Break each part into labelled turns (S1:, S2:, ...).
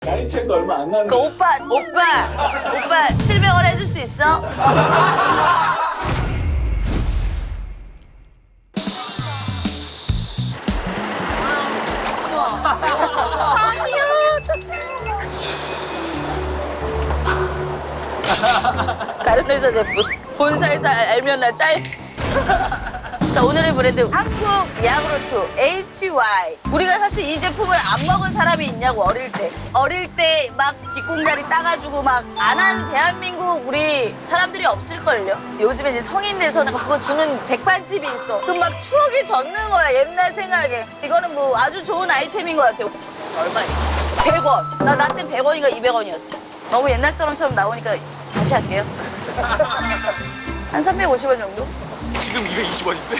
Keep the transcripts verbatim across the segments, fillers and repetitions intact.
S1: 나이 차이도 얼마 안 나는
S2: 그 오빠, 오빠, 오빠 칠백 원 해줄 수 있어? 다른 회사 제품 본사에서 알- 알면 나 짤. 자, 오늘의 브랜드 한국 야구르트 에이치 와이. 우리가 사실 이 제품을 안 먹은 사람이 있냐고. 어릴 때 어릴 때 막 뒷공다리 따가지고 막 안 한 대한민국 우리 사람들이 없을걸요. 요즘에 이제 성인 돼서는 그거 주는 백반집이 있어. 그럼 막 추억이 젖는 거야. 옛날 생각에. 이거는 뭐 아주 좋은 아이템인 것 같아요. 얼마야? 백 원. 나 나 때 백 원인가 이백 원이었어. 너무 옛날 사람처럼 나오니까 다시 할게요. 한 삼백오십 원 정도?
S3: 지금 이백이십 원인데?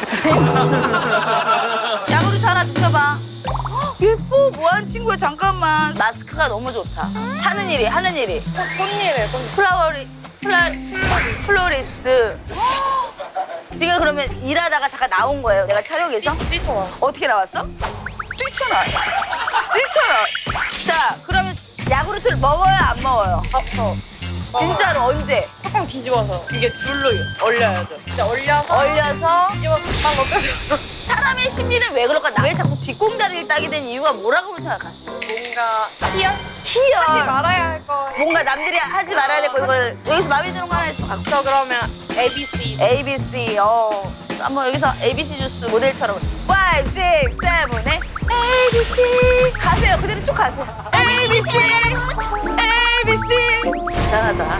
S2: 야구르트 하나 드셔봐. 헉, 예뻐. 뭐하는 친구야. 잠깐만. 마스크가 너무 좋다. 하는 일이 하는 일이.
S4: 꽃잎에 꽃잎.
S2: 플라워리 플라 플로리스트. 헉, 지금 그러면 일하다가 잠깐 나온 거예요. 내가 촬영에서.
S4: 뛰쳐와.
S2: 어떻게 나왔어? 뛰쳐나왔어. 뛰쳐나왔어. 자, 그러면 야구르트를 먹어요, 안 먹어요?
S4: 아파.
S2: 진짜로 언제?
S4: 뚜껑 뒤집어서 이게 줄로 얼려야죠. 이제 얼려서
S2: 얼려서
S4: 뒤집어서 금방 먹혀졌어.
S2: 사람의 심리는 왜 그럴까? 나 왜 자꾸 뒷공다리를 따게 된 이유가 뭐라고 생각하세요?
S4: 뭔가 희열?
S2: 희열.
S4: 하지 말아야 할 거.
S2: 뭔가 남들이 하지 말아야 될 거 이걸 여기서 마음에 드는 거 하나 있으면 갖고.
S4: 저 그러면 에이비씨.
S2: 에이비씨. 어. 한번 여기서 에이비씨 주스 모델처럼 오, 육, 칠, 팔, 에이비씨 가세요. 그대로 쭉 가세요. 에이비씨 에이비씨. 이상하다.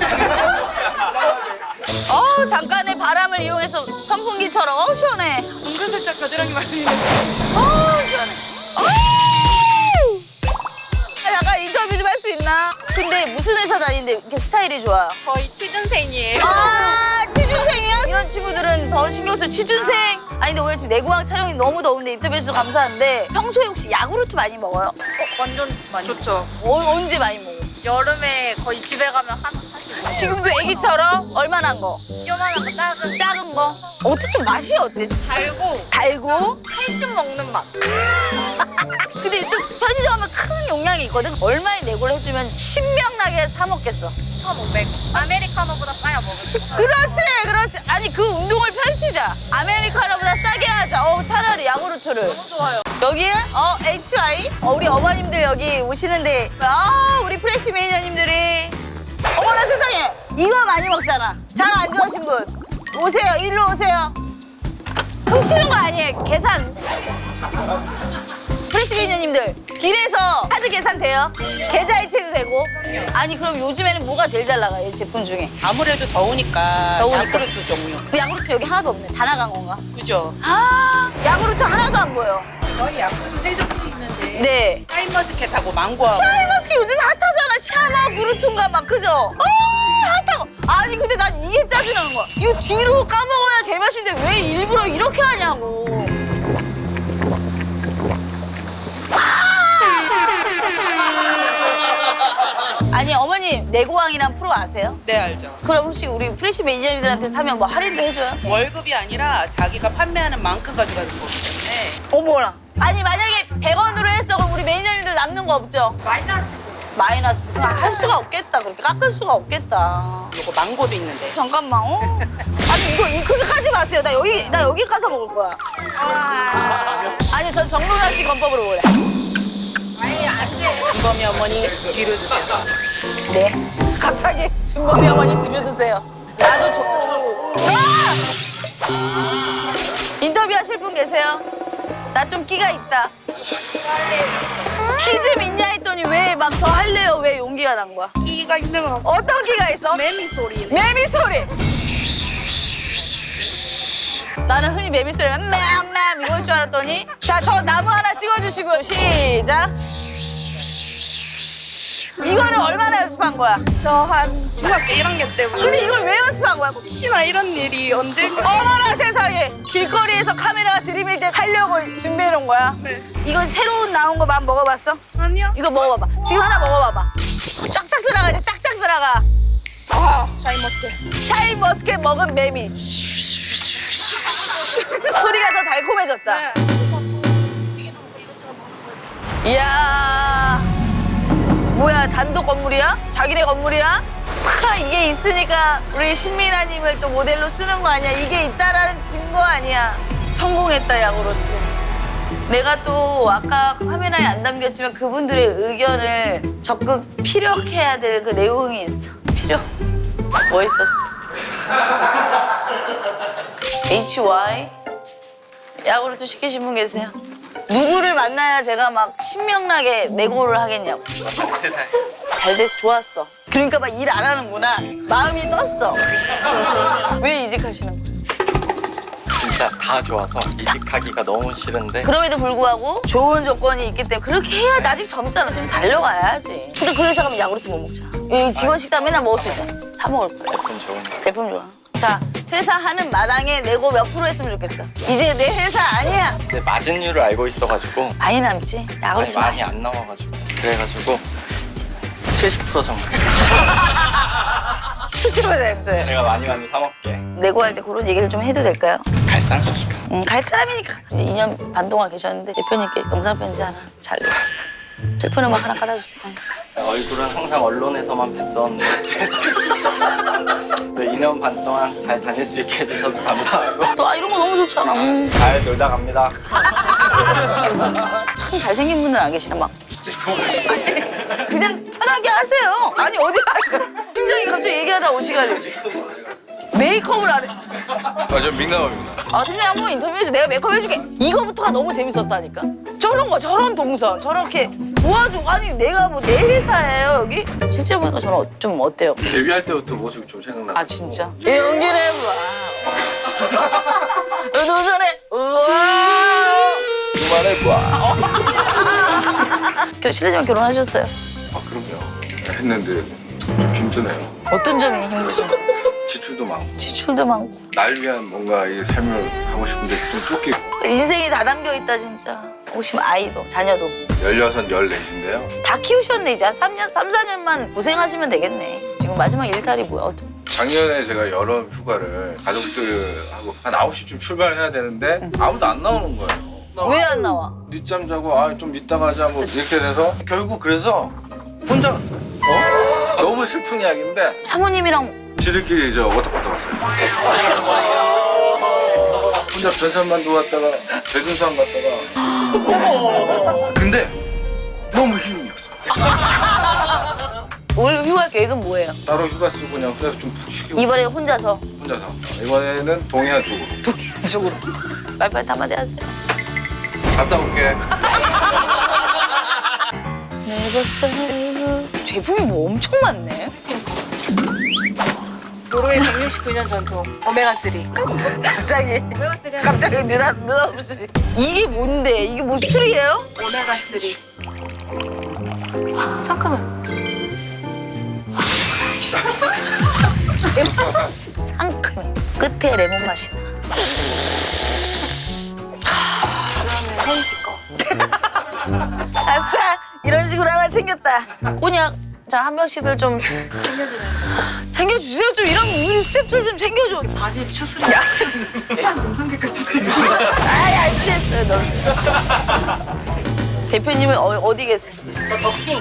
S2: 어, 잠깐의 바람을 이용해서 선풍기처럼 어 시원해.
S4: 은근슬쩍 겨드랑이 말리는.
S2: 어 시원해. 어! 잠깐 인터뷰 좀 할 수 있나? 근데 무슨 회사 다니는데 이렇게 스타일이 좋아요?
S4: 거의 취준생이에요.
S2: 아, 취준생이요? 이런 친구들은 더 신경 쓸 취준생. 아니 근데 오늘 지금 내고왕 촬영이 너무 더운데 인터뷰해주셔서 감사한데 평소에 혹시 야구르트 많이 먹어요?
S4: 어, 완전 많이. 좋죠.
S2: 어, 언제 많이 먹어?
S4: 여름에 거의 집에 가면 한 사실
S2: 지금도 애기처럼 얼마나 거?
S4: 요만한 거 작은
S2: 작은 거? 어때 좀 맛이 어때? 좀
S4: 달고
S2: 달고?
S4: 한식 먹는 맛.
S2: 근데 또 편의점 가면 큰 용량이 있거든? 얼마에 내고를 해주면 신명나게 사 먹겠어.
S4: 천오백. 아메리카노보다 싸야 먹을
S2: 그렇지, 그렇지. 아니 그 운동을 펼치자. 아메리카노보다 싸게 하자. 어, 차라리 야구르트를.
S4: 너무 좋아요.
S2: 여기에 어 에이치 와이 어, 우리 어머님들 여기 오시는데 아 우리 프레시 매니저님들이 어머나 세상에 이거 많이 먹잖아. 장 안 좋아하신 분 오세요. 일로 오세요. 훔치는 거 아니에요. 계산. 프레시 매니저님들 길에서 카드 계산 돼요? 계좌 이체도 되고. 아니 그럼 요즘에는 뭐가 제일 잘 나가요? 이 제품 중에?
S5: 아무래도 더우니까,
S2: 더우니까.
S5: 야구르트 종류.
S2: 근데 야구르트 여기 하나도 없네. 다 나간 건가?
S5: 그죠?
S2: 아 야구르트 하나도 안 보여.
S5: 저희 야구르트 세 종류 있는데
S2: 네.
S5: 샤인머스켓하고 망고하고
S2: 샤인머스켓 요즘 핫하잖아. 샤마 구르퉁가 막 그죠? 어 핫하고. 아니 근데 난 이게 짜증나는 거야. 이거 뒤로 까먹어야 제맛인데 왜 일부러 이렇게 하냐고. 아니 어머님 내고왕이란 프로 아세요?
S5: 네, 알죠.
S2: 그럼 혹시 우리 프레시 매니저님들한테 사면 뭐 할인도 해줘요?
S5: 월급이 아니라 자기가 판매하는 만큼 가져가는 거기 때문에
S2: 어머나. 아니 만약에 백 원으로 했어 그럼 우리 매니저님들 남는 거 없죠?
S4: 마이너스.
S2: 마이너스. 그럼 할 수가 없겠다. 그렇게 깎을 수가 없겠다.
S5: 요거 망고도 있는데.
S2: 잠깐만. 어? 아니 이거 이- 그렇게 하지 마세요. 나 여기 나 여기 가서 먹을 거야. 아니 전 정론아 씨 건법으로 먹을래.
S5: 준범이 어머니 뒤로 주세요.
S2: 네. 갑자기 준범이 어머니 들려주세요. 나도 좋고. 아! 인터뷰하실 분 계세요? 나 좀 끼가 있다. 키 좀 있냐 했더니 왜 막 저 할래요? 왜 용기가 난 거야?
S4: 끼가 있는 거.
S2: 어떤 끼가 있어?
S4: 매미 소리.
S2: 매미 소리. 나는 흔히 매미 소리가 맴맴 이걸 줄 알았더니 자, 저 나무 하나 찍어주시고요. 시작. 이거는 얼마나 연습한 거야?
S4: 저 한 중학교 일 학년 때부터.
S2: 근데 이걸 왜 연습한 거야?
S4: 혹시나 이런 일이 언젠가.
S2: 어머나 세상에. 길거리에서 카메라가 들이밀 때 하려고 준비해 놓은 거야?
S4: 네.
S2: 이건 새로운 나온 거 만 먹어봤어?
S4: 아니요.
S2: 이거 먹어봐봐. 지금 하나 먹어봐봐. 쫙쫙 들어가지, 쫙쫙 들어가.
S4: 아, 샤인머스켓.
S2: 샤인머스켓 먹은 매미. 소리가 더 달콤해졌다.
S4: 네.
S2: 이야. 뭐야, 단독 건물이야? 자기네 건물이야? 파, 이게 있으니까 우리 신민아님을 또 모델로 쓰는 거 아니야? 이게 있다라는 증거 아니야? 성공했다, 야구르트. 내가 또 아까 화면에 안 담겼지만 그분들의 의견을 적극 피력해야 될 그 내용이 있어. 필요. 뭐 있었어? 에이치 와이 야구르트 시키신 분 계세요? 누구를 만나야 제가 막 신명나게 내고를 하겠냐고. 잘 돼서 좋았어. 그러니까 막 일 안 하는구나. 마음이 떴어. 왜 이직하시는 거예요?
S1: 진짜 다 좋아서 이직하기가 너무 싫은데
S2: 그럼에도 불구하고 좋은 조건이 있기 때문에 그렇게 해야 아직 젊잖아. 지금 달려가야지. 근데 그 회사 가면 야구르트 못 먹자. 여기 직원 식당 맨날 먹을 수 있잖아. 사 먹을 거야.
S1: 제품 좋은 거.
S2: 제품 좋아. 자, 퇴사하는 마당에 내고 몇 프로 했으면 좋겠어. 이제 내 회사 아니야.
S1: 근데 마진율을 알고 있어가지고
S2: 많이 남지?
S1: 많이
S2: 야구르트
S1: 많이 안 나와가지고 그래가지고 칠십 퍼센트 정도
S2: 칠십 퍼센트.
S1: 내가 많이 많이 사 먹게.
S2: 내고 할 때 그런 얘기를 좀 해도 될까요?
S1: 갈상?
S2: 음, 갈 사람이니까. 이제 이 년 반 동안 계셨는데 대표님께 영상편지 하나 잘 내고 슬픈 음악 하나 깔아주세요.
S1: 얼굴은 항상 언론에서만 뵀었는데 네, 이 년 반 동안 잘 다닐 수 있게 해주셔서 감사하고
S2: 또 아, 이런 거 너무 좋잖아. 음.
S1: 잘 놀다 갑니다.
S2: 참 잘생긴 분들 안 계시나 막. 그냥 편하게 하세요. 아니 어디 가세요? 팀장님 갑자기 얘기하다 오시가지고 메이크업을 안 해.
S3: 아, 전 민감합니다.
S2: 아 팀장님 한번 인터뷰해줘. 내가 메이크업 해줄게. 이거부터가 너무 재밌었다니까. 저런 거 저런 동선 저렇게 도와줘. 아니 내가 뭐 내 회사예요 여기? 실제 보니까 저는 어- 좀 어때요?
S3: 데뷔할 때부터 모습이 좀 생각나.
S2: 아 진짜? 연기를 해봐. 도전해. 우와.
S3: 그만해봐.
S2: 겨- 실례지만 결혼하셨어요?
S3: 아, 그럼요. 했는데 좀 힘드네요.
S2: 어떤 점이 힘드신가요?
S3: 지출도 많고.
S2: 지출도 많고
S3: 날 위한 뭔가 이 삶을 하고 싶은데 좀 쫓기고.
S2: 인생이 다 담겨 있다 진짜. 혹시 뭐 아이도 자녀도
S3: 열여섯, 열넷인데요.
S2: 다 키우셨네 이제 한 삼 년, 삼, 사 년만 고생하시면 되겠네. 지금 마지막 일탈이 뭐야? 어떤-
S3: 작년에 제가 여름 휴가를 가족들하고 한 아홉 시쯤 출발해야 되는데 아무도 안 나오는 거예요.
S2: 왜 안 나와?
S3: 늦잠 자고 아 좀 이따 가자 뭐 이렇게 돼서 결국 그래서 혼자 갔어요. 어? 너무 슬픈 이야기인데
S2: 사모님이랑
S3: 지들끼리 저 워터파크 갔어요. 혼자 변산만도 갔다가 대둔산 갔다가 근데 너무 힘이 없어.
S2: 올 휴가 계획은 뭐예요?
S3: 따로 휴가 쓰고 그냥 그래서 좀 푹 쉬고
S2: 이번에 혼자서
S3: 혼자서 이번에는 동해안 쪽으로
S2: 동해안 쪽으로 빨리빨리 한마디 하세요.
S3: 갔다 올게.
S2: 제품이 뭐 엄청 많네.
S4: 노르웨이 백육십구 년 전통 오메가삼.
S2: 갑자기
S4: 오메가삼 하면
S2: 갑자기 느닷 느닷없이 이게 뭔데? 이게 뭐 술이에요?
S4: 오메가삼. 잠깐만.
S2: 상큼해. 끝에 레몬 맛이 나.
S4: 그러면 혜인 씨 거.
S2: 아싸! 이런 식으로 하나 챙겼다. 꼬냑. 자, 한 명씩들 좀
S4: 챙겨드려요.
S2: 챙겨주세요. 좀 이런 우리 스태프들 좀 챙겨줘.
S4: 바지 추스려. 동성계 같은.
S2: 아이, 안 취했어요, 너. 대표님은 어, 어디 계세요?
S4: 저 더킹.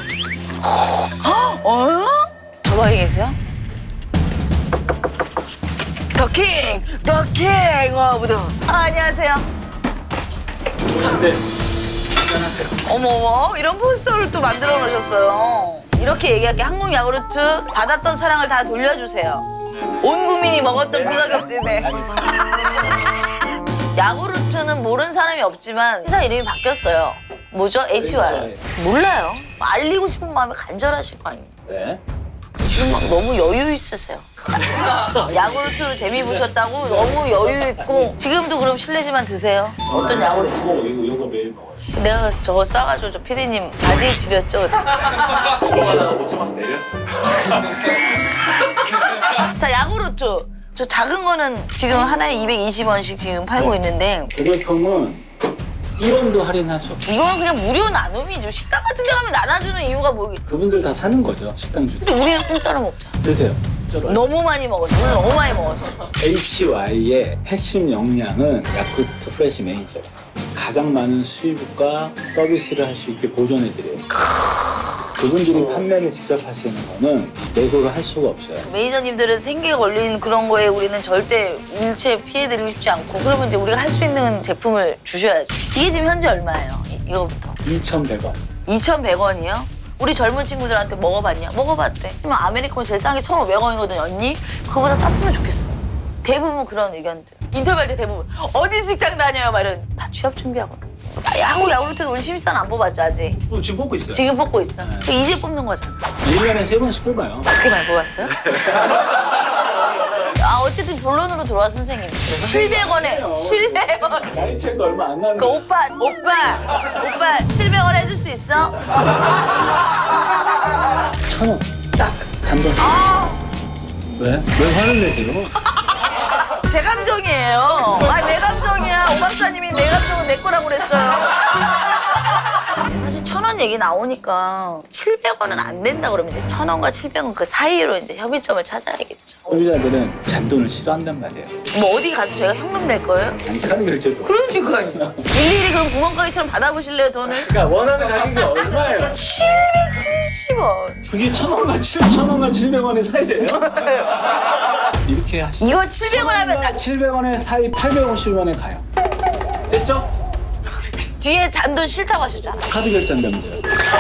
S2: 어? 저 방에 계세요? 더킹! 더킹! 어, 무더. 아, 안녕하세요.
S1: 네. 안녕하세요.
S2: 어머머, 이런 포스터를 또 만들어 놓으셨어요. 이렇게 얘기할게. 한국 야구르트 받았던 사랑을 다 돌려주세요. 온 국민이 먹었던 그 가격 때문에. 야구르트는 모르는 사람이 없지만 회사 이름이 바뀌었어요. 뭐죠? 에이치 와이. 몰라요. 알리고 싶은 마음이 간절하실 거 아니에요.
S6: 네.
S2: 지금 막 너무 여유 있으세요. 야구르트 재미 보셨다고 너무 여유 있고 지금도 그럼 실례지만 드세요. 어떤 야구르트?
S6: 이거, 이거, 이거 매일 먹어요.
S2: 내가 저거 쏴가지고 저 피디님 바지에 지렸죠.
S6: 오천 원씩 내렸어요.
S2: 자, 야구르트. 저 작은 거는 지금 하나에 이백이십 원씩 지금 팔고 있는데
S6: 고객형은 일 원도 할인할 수 없어요.
S2: 이거는 그냥 무료 나눔이죠. 식당 같은 데 가면 나눠주는 이유가 뭐겠.
S6: 그분들 다 사는 거죠, 식당주.
S2: 근데 우리는 공짜로 먹자.
S6: 드세요. 쩔어요.
S2: 너무 많이 먹었어. 오늘 너무 많이 먹었어.
S6: 에이치와이의 핵심 역량은 야쿠르트 프레시 매니저예요. 가장 많은 수입과 서비스를 할 수 있게 보존해드려요. 그분들이 판매를 직접 하시는 거는 내고를 할 수가 없어요.
S2: 매니저님들은 생계가 걸린 그런 거에 우리는 절대 일체 피해드리고 싶지 않고 그러면 이제 우리가 할 수 있는 제품을 주셔야죠. 이게 지금 현재 얼마예요? 이, 이거부터.
S6: 이천백 원.
S2: 이천백 원이요? 우리 젊은 친구들한테 먹어봤냐? 먹어봤대. 그러면 아메리카노 제일 싼 게 천오백 원이거든요, 언니? 그거보다 쌌으면 좋겠어. 대부분 그런 의견들. 인터뷰할 때 대부분 어디 직장 다녀요? 막 이런. 다 취업 준비하고. 한국 야구르트는 우리 신입사원 안 뽑았죠, 아직?
S6: 어, 지금 뽑고 있어요.
S2: 지금 뽑고 있어. 그 이제 뽑는 거잖아.
S6: 일 년에 세 번씩 뽑아요.
S2: 그렇게 많이 뽑았어요? 아, 어쨌든 본론으로 들어와, 선생님. 칠백 원에, 칠백 원.
S6: 나이 차이도 얼마 안 나는
S2: 그 오빠, 오빠, 오빠, 칠백 원 해줄 수 있어?
S6: 천 원. 딱. 단돈. 왜? 왜 화를 내세요?
S2: 제 감정이에요. 아, 내 감정이야. 오 박사님이 내 감정은 내 거라고 그랬어요. 사실 천 원 얘기 나오니까 칠백 원은 안 된다 그러면 이제 천 원과 칠백 원 그 사이로 이제 협의점을 찾아야겠죠.
S6: 소비자들은 잔돈을 싫어한단 말이에요.
S2: 뭐 어디 가서 제가 현금 낼 거예요?
S6: 아니, 카드 결제도.
S2: 그러니까요. 일일이 그럼 구멍가게처럼 받아보실래요, 돈을?
S6: 그러니까 원하는 가격이 얼마예요?
S2: 칠백칠십 원.
S6: 그게 천 원과 칠천 원과 칠백 원의 사이예요? 이렇게 하시죠.
S2: 이거 칠백 원 하면 나
S6: 칠백 원의 사이 팔백오십 원에 가요. 됐죠?
S2: 뒤에 잔돈 싫다고 하셨잖아.
S6: 카드 결제한다면서요.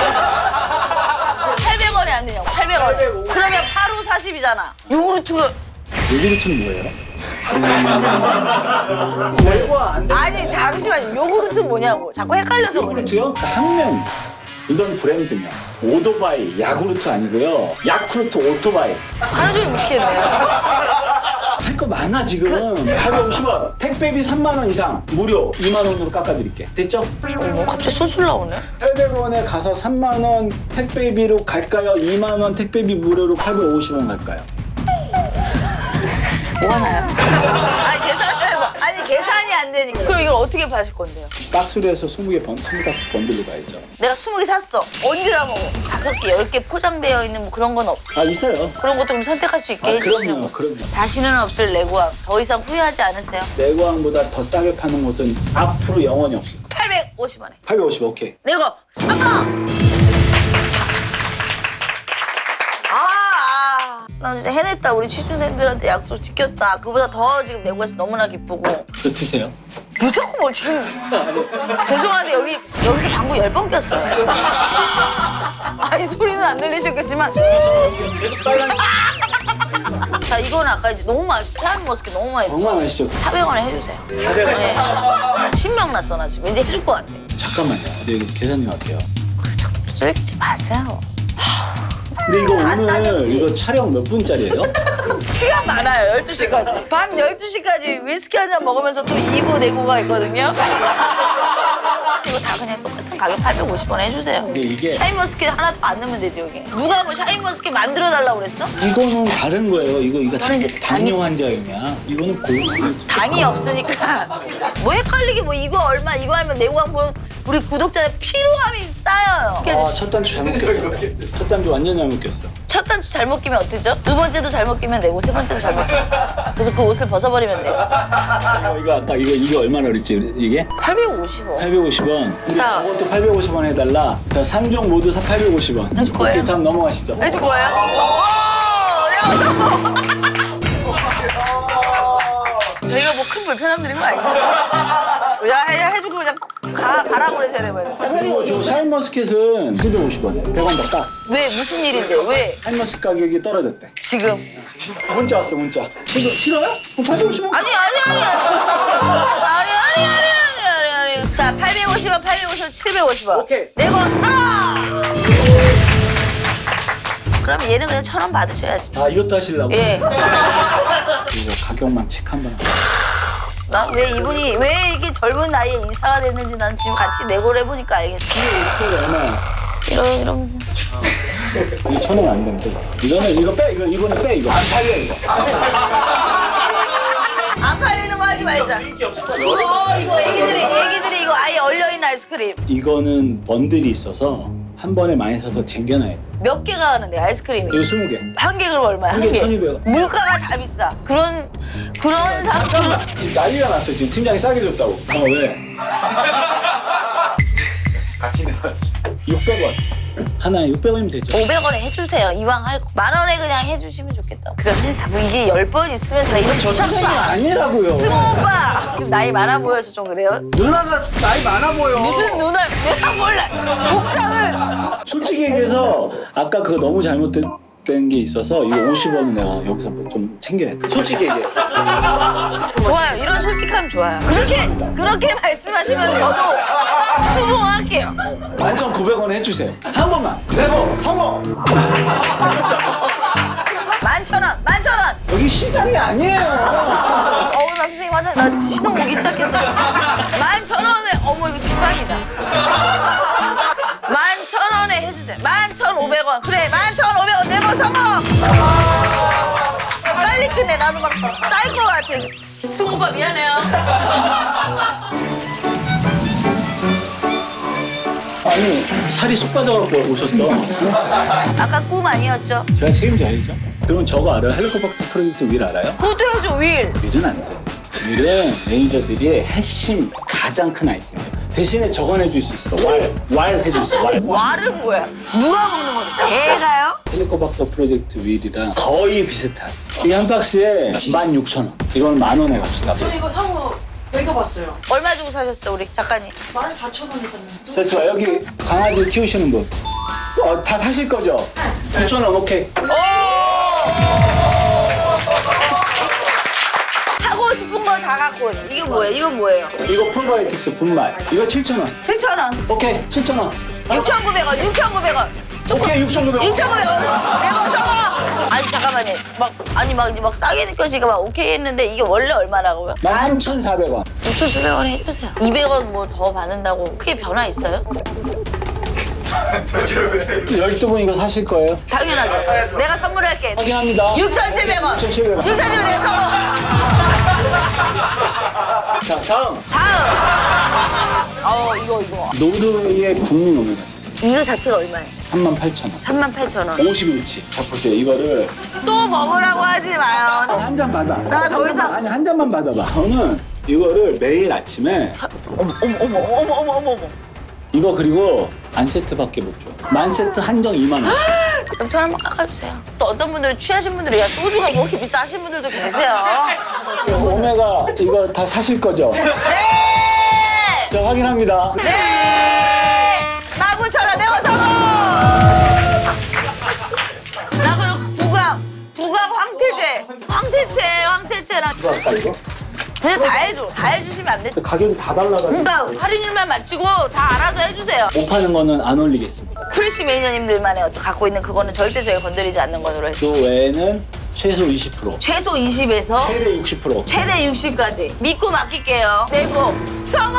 S2: 팔백 원에 안 되냐고, 팔백 원. 그러면 팔 오 사십이잖아. 요구르트가.
S6: 요구르트는 뭐예요? 외과 안 돼.
S2: 아니, 잠시만요. 요구르트 뭐냐고. 자꾸 헷갈려서 그래.
S6: 요구르트요? 학명. 이건 브랜드명. 오토바이, 야구르트 아니고요. 야쿠르트 오토바이.
S2: 하루 종일 무식했네요.
S6: 할 거 많아 지금. 팔백오십 원. 택배비 삼만 원 이상 무료 이만 원으로 깎아드릴게. 됐죠?
S2: 뭐 갑자기 술술 나오네.
S6: 팔백 원에 가서 삼만 원 택배비로 갈까요? 이만 원 택배비 무료로 팔백오십 원 갈까요?
S2: 뭐 하나요? 아니, 계산을 해봐. 아니, 계산이 안 되니까. 그럼 이걸 어떻게 파실 건데요?
S6: 박스로 해서 스무 개 번, 스물다섯 개 번들로 가야죠.
S2: 내가 스무 개 샀어. 언제 다 먹어? 다섯 개, 열 개 포장되어 있는 뭐 그런 건 없.
S6: 아 있어요.
S2: 그런 것도 좀 선택할 수 있게
S6: 아,
S2: 해주시는
S6: 그럼요,
S2: 거.
S6: 그럼요.
S2: 다시는 없을 레고왕. 더 이상 후회하지 않으세요?
S6: 내고항보다 더 싸게 파는 곳은 앞으로 영원히 없을 거야.
S2: 팔백오십 원에.
S6: 팔백오십 오케이.
S2: 내고 삼만. 아, 아. 나 진짜 해냈다. 우리 취준생들한테 약속 지켰다. 그보다 더 지금 내고 해서 너무나 기쁘고.
S6: 그거 드세요.
S2: 왜 자꾸 뭘 지금. 죄송한데 여기, 여기서 방구 열 번 꼈어요. 아니, 소리는 안 들리셨겠지만.
S6: 계속 빨간.
S2: 자, 이거는 아까 이제 너무 맛있어. 샤인 머스켓 너무 맛있어.
S6: 정말 맛있죠.
S2: 사백 원에 해주세요.
S6: 사백 원.
S2: 네. 신명났어, 나 지금. 왠지 해줄 것 같아.
S6: 잠깐만요. 네, 여기 계산님 할게요.
S2: 쫄기지 마세요.
S6: 근데 이거
S2: 안
S6: 오늘
S2: 따졌지.
S6: 이거 촬영 몇 분짜리예요?
S2: 시간 많아요, 열두 시까지. 밤 열두 시까지 위스키 한 잔 먹으면서 또 이 부 내고가 있거든요. 이거 다 그냥 똑같은 가격 팔백오십 원 해주세요.
S6: 근데 이게
S2: 샤인머스켓 하나 더 안 넣으면 되지, 여기. 누가 뭐 샤인머스켓 만들어달라고 그랬어?
S6: 이거는 다른 거예요. 이거 이거
S2: 이거는 이제
S6: 당뇨 환자용이야. 이거는 고급.
S2: 당이 없으니까. 뭐 헷갈리게 뭐 이거 얼마, 이거 하면 내고가 보면 우리 구독자의 피로감이 쌓여요.
S6: 아, 첫 단추 잘못 꼈어. 첫 단추 완전 잘못 꼈어.
S2: 첫 단추 잘못 끼면 어떻죠? 두 번째도 잘못 끼면 내고 세 번째도 잘못 끼면. 그래서 그 옷을 벗어버리면 돼요.
S6: 이거, 이거 아까 이거 이게 얼마나 그랬지? 이게?
S2: 팔백오십 원.
S6: 팔백오십 원. 근데
S2: 자.
S6: 저것도 팔백오십 원 해달라. 자, 삼 종 모두 사 팔백오십 원.
S2: 해줄 거예요?
S6: 오케이, 다음 넘어가시죠.
S2: 해줄 거예요? 오! 내가 성공! 저희가 뭐 큰 불편함 드린 거 아니죠? 야, 해, 해주고 그냥 가, 가라고 그래, 쟤네만.
S6: 그리고 저 샤인머스켓은 칠백오십 원에 백 원 더 까.
S2: 왜, 무슨 일인데, 왜?
S6: 샤인머스켓 가격이 떨어졌대.
S2: 지금.
S6: 문자 왔어, 문자. 지금 싫어요? 그럼 팔백오십 원?
S2: 아니, 아니, 아니. 아니, 아니, 아니, 아니, 아니, 아니. 자, 팔백오십 원, 팔백오십 원, 칠백오십 원.
S6: 오케이.
S2: 내고 사라! 그럼 얘는 그냥 천 원 받으셔야지.
S6: 아, 이것도 하시려고?
S2: 예.
S6: 이거 가격만 체크 한번 하고.
S2: 난 왜 이분이 왜 이렇게 젊은 나이에 이사가 됐는지 난 지금 같이 내고를 해보니까 알겠지.
S6: 이거 얼마야?
S2: 이러, 이러면.
S6: 이거 천 원 안 된대. 이거는 이거 빼, 이거 이번에 빼, 이거. 안 팔려, 이거.
S2: 안 팔리는 거 하지 말자. 이거, 이거 애기들이, 애기들이 이거 아예 얼려있는 아이스크림.
S6: 이거는 번들이 있어서 한 번에 많이 사서 쟁겨놔야 돼.
S2: 몇 개가 하는데, 아이스크림이?
S6: 이거 스무 개.
S2: 한 개 그럼 얼마야?
S6: 한 개 천이백 원.
S2: 물가가 다 비싸. 그런, 그런 상품.
S6: 지금 난리가 났어. 지금 팀장이 싸게 줬다고. 어, 왜?
S1: 같이 내놨어.
S6: 육백 원. 하나에 육백 원이면 되죠.
S2: 오백 원에 해주세요. 이왕 할 거. 만 원에 그냥 해주시면 좋겠다. 그게 싫다. 뭐 이게 열 번 있으면 제가 이런 조작도 안
S6: 아니라고요.
S2: 승호 오빠! 지금 나이 많아 보여서 좀 그래요?
S6: 누나가 나이 많아 보여.
S2: 무슨 누나, 내가 몰라. 복장을.
S6: 솔직히 얘기해서 아까 그거 너무 잘못된 게 있어서 이거 오십 원은 내가 여기서 좀 챙겨야 돼. 솔직히 얘기해.
S2: 좋아요. 이런 솔직함 좋아요. 그렇게, 그렇게 말씀하시면 저도 수긍할게요.
S6: 만천 구백 원 해주세요. 한 번만. 내고 성공.
S2: 만천 원, 만천 원!
S6: 여기 시장이 아니에요.
S2: 어우, 나 선생님 화장, 나 신혼 오기 시작했어. 만천 원에, 어머, 이거 진방이다. 만천 원에 해주세요. 만천 오백 원. 그래, 만천 오백 원 내고 성공! 빨리 끝내. 나도 막 쌀 것 같아. 승우 오빠 미안해요.
S6: 아니 살이 쏙 빠져갖고 오셨어.
S2: 아까 꿈 아니었죠?
S6: 제가 책임져야죠. 그럼 저거 알아요? 헬리코박터 프로젝트 윌 알아요?
S2: 그것도 해줘, 윌.
S6: 윌은 안 돼. 윌은 매니저들이 핵심 가장 큰 아이템이에요. 대신에 저건 해줄 수 있어. 왈. 왈 해줄 수 있어. 왈.
S2: 와를 뭐야? 누가 먹는 건데? 개가요?
S6: 헬리코박터 프로젝트 윌이랑 거의 비슷한. 이게 한 박스에 만 육천 원. 이건 만 원에 갑시다.
S4: 이거 상호 먹여봤어요.
S2: 얼마 주고 사셨어, 우리 작가님?
S4: 만 사천 원에 샀는데.
S6: 자, 여기 강아지 키우시는 분. 어, 다 사실 거죠? 구천 원 오케이.
S2: 하고 싶은 거 다 갖고 오네. 이게 뭐예요? 이건 뭐예요?
S6: 이거 프로바이오틱스 분말. 이거 칠천 원.
S2: 칠천 원.
S6: 오케이, 칠천 원.
S2: 육천구백 원, 육천구백 원.
S6: 오케이, 육천구백 원.
S2: 육천구백 원. 내가 성공! 아니, 잠깐만요. 막, 아니, 막, 이제 막 싸게 느껴지니까 막 오케이 했는데 이게 원래 얼마라고요?
S6: 만 삼천사백 원.
S2: 육천칠백 원 해주세요. 이백 원 뭐 더 받는다고 크게 변화 있어요?
S6: 열두 분 이거 사실 거예요?
S2: 당연하죠. 내가 선물할게.
S6: 확인합니다.
S2: 육천칠백 원.
S6: 육천칠백 원.
S2: 육천칠백 원 내가 성공.
S6: 자, 다음.
S2: 다음. 어, 이거, 이거.
S6: 노르웨이의 국민 오메가삼.
S2: 이거 자체가 얼마예요?
S6: 삼만 팔천 원.
S2: 삼만 팔천 원.
S6: 오십 인치. 자, 보세요. 이거를
S2: 또 먹으라고 하지 마요.
S6: 한 잔 받아.
S2: 나 더 이상-
S6: 아니, 한 잔만 받아봐. 저는 이거를 매일 아침에
S2: 어머, 어머, 어머, 어머, 어머, 어머, 어머.
S6: 이거 그리고 만 세트밖에 못 줘. 만 세트 한정 이만 원.
S2: 연천 한번 깎아주세요. 또 어떤 분들은 취하신 분들이 야 소주가 뭐 이렇게 비싸신 분들도 계세요.
S6: 오메가 이거 다 사실 거죠?
S2: 네!
S6: 자, 확인합니다.
S2: 네! 나 구천 원 내고 성공! 나 그리고 부각, 부각 황태제. 황태제, 황태제랑.
S6: 이거 할까, 이거?
S2: 그냥 다 해줘. 다 해주시면 안 돼?
S6: 가격이 다 달라가지고.
S2: 그러니까 할인율만 맞추고 다 알아서 해주세요.
S6: 못 파는 거는 안 올리겠습니다.
S2: 프레시 매니저님들만의 어떤 갖고 있는 그거는 절대 저희가 건드리지 않는 거로 해서
S6: 그 외에는 최소 이십 퍼센트,
S2: 최소 이십에서
S6: 최대 육십 퍼센트.
S2: 최대 육십까지 믿고 맡길게요. 내고 성공!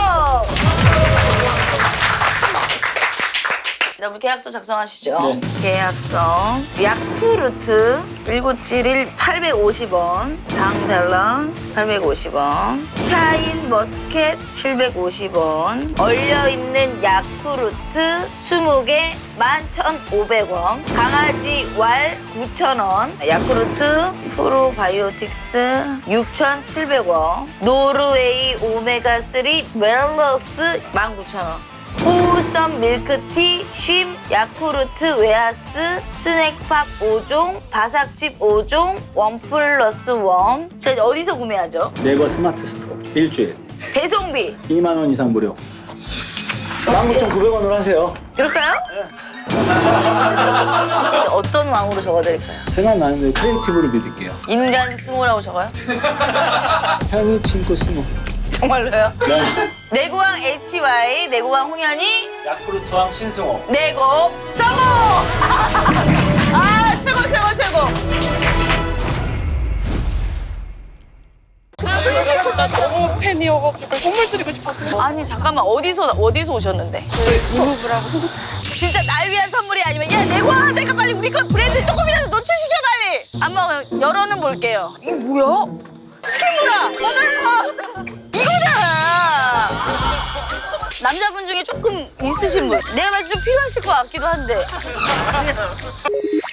S2: 자, 우리 계약서 작성하시죠.
S6: 네.
S2: 계약서 야쿠르트 천구백칠십일 팔백오십 원, 당 밸런스 팔백오십 원, 샤인 머스켓 칠백오십 원, 얼려있는 야쿠르트 스무 개 만 천오백 원, 강아지 왈 구천 원, 야쿠르트 프로바이오틱스 육천칠백 원, 노르웨이 오메가삼 웰러스 만 구천 원, 호우썸 밀크티, 쉼, 야쿠르트 웨하스, 스낵팝 오 종, 바삭칩 오 종, 원 플러스 원. 제가 어디서 구매하죠?
S6: 네이버 스마트 스토어 일주일
S2: 배송비.
S6: 이만 원 이상 무료. 만 구천구백 원으로 하세요.
S2: 그럴까요? 어떤 왕으로 적어드릴까요?
S6: 생각나는데 크리에이티브로 믿을게요.
S2: 인간 스모라고 적어요?
S6: 현이 친구 스모.
S2: 정말로요?
S6: 네.
S2: 내고왕 에이치와이, 내고왕 홍현이,
S6: 야쿠르트왕 신승호.
S2: 내고 성공! 아 최고 최고 최고!
S4: 제가 진짜 너무 팬이어가지고 선물 드리고 싶었어요.
S2: 아니 잠깐만 어디서 어디서 오셨는데?
S4: 그룹을 하고.
S2: 진짜 날 위한 선물이 아니면 야 내고왕 내가 빨리 우리 거 브랜드 조금이라도 노출시켜 빨리! 한번 열어는 볼게요. 이게 뭐야? 스킨브라! 어머나! 이거잖아! 남자분 중에 조금 있으신 분. 내가 봤을 때 좀 필요하실 것 같기도 한데.